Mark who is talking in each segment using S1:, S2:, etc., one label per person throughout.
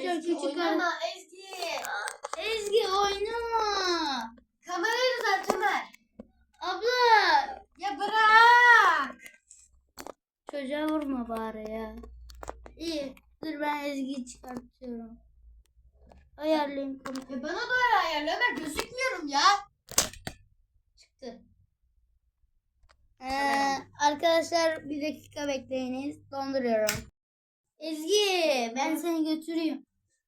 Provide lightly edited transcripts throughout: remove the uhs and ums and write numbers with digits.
S1: Arkadaşlar
S2: Ezgi,
S1: küçük
S2: oynama Ezgi.
S1: Ezgi oynama.
S2: Kamerayı düzelt Ömer.
S1: Abla.
S2: Ya bırak.
S1: Çocuğa vurma bari ya. İyi. Dur ben Ezgi'yi çıkartıyorum. Ayarlayayım kamerayı.
S2: Bana doğru ayarla Ömer, gözükmüyorum ya.
S1: Çıktı. Arkadaşlar bir dakika bekleyiniz. Donduruyorum. Ezgi ben seni götüreyim.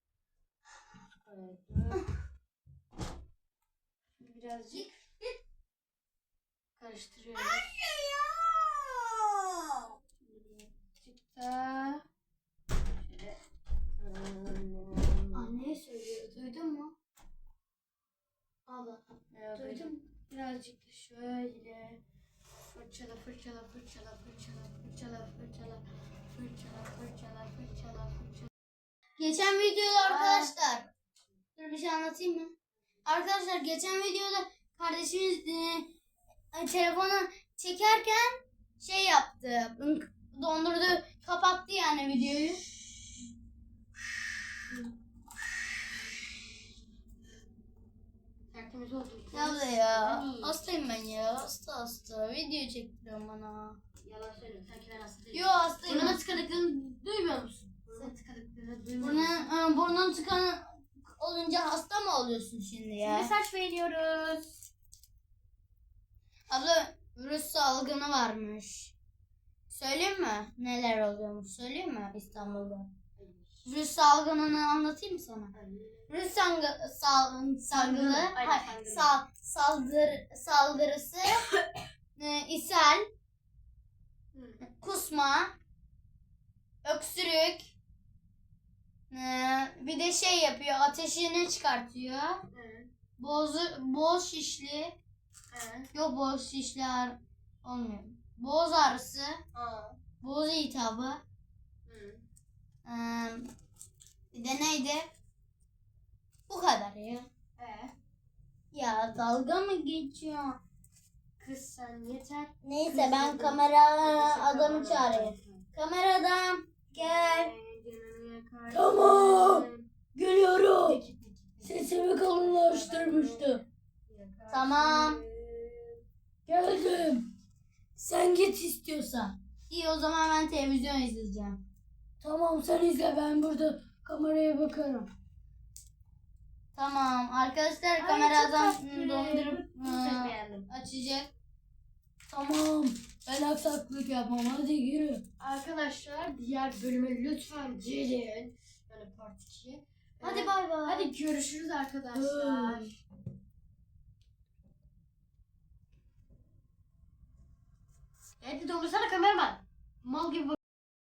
S2: Birazcık karıştırıyoruz. Birazcık da şöyle.
S1: Anne söylüyor. Duydun mu?
S2: Allah. Duydum. Birazcık da şöyle fırçala fırçala fırçala fırçala fırçala fırçala fırçala fırçala fırçala fırçala.
S1: Geçen videoda arkadaşlar. Dur bir şey anlatayım mı? Arkadaşlar geçen videoda kardeşimiz telefonu çekerken şey yaptı. Dondurdu, kapattı yani videoyu.
S2: Tertemiz oldu.
S1: Ya da ya. Hastayım ben ya. Hasta. Video çektiriyorum bana.
S2: Yalan söylüyorum. Sanki ben hasta değilim.
S1: Yo hastayım.
S2: Burnuma tıkadıklarını duymuyor musun? Burnuma tıkadıklarını duymuyor musun?
S1: Burnun tıkan olunca hasta mı oluyorsun şimdi ya?
S2: Mesaj veriyoruz.
S1: Abla virüs salgını varmış. Söyleyeyim mi? Neler oluyormuş? Söyleyeyim mi İstanbul'da? Virüs salgınını anlatayım mı sana? Virüs saldırısı ishal, kusma, öksürük, bir de şey yapıyor, ateşini çıkartıyor. Boğaz şişli. Yok boğaz şişli olmuyor. Boğaz ağrısı, boğaz iltihabı. Bir de neydi? Bu kadar ya. Ya dalga mı geçiyor?
S2: Kız sen yeter.
S1: Neyse ben kamera adamı çağırayım. Kamera adam gel.
S3: Tamam. Geliyorum. Sesimi kalınlaştırmıştım.
S1: Tamam.
S3: Geldim. Sen git istiyorsan.
S1: İyi o zaman ben televizyon izleyeceğim.
S3: Tamam sen izle, ben burada kameraya bakarım.
S1: Tamam arkadaşlar
S2: Ay,
S1: kameradan
S2: çok tatlı.
S1: dondurup
S2: Çok beğendim.
S1: açacak.
S3: Tamam. Ben aksaklık yapmam. Hadi yürü.
S2: Arkadaşlar diğer bölüme lütfen gelin. Yani part 2.
S1: Hadi bay bay.
S2: Hadi görüşürüz arkadaşlar. Hadi dondursana kameraman. Mal gibi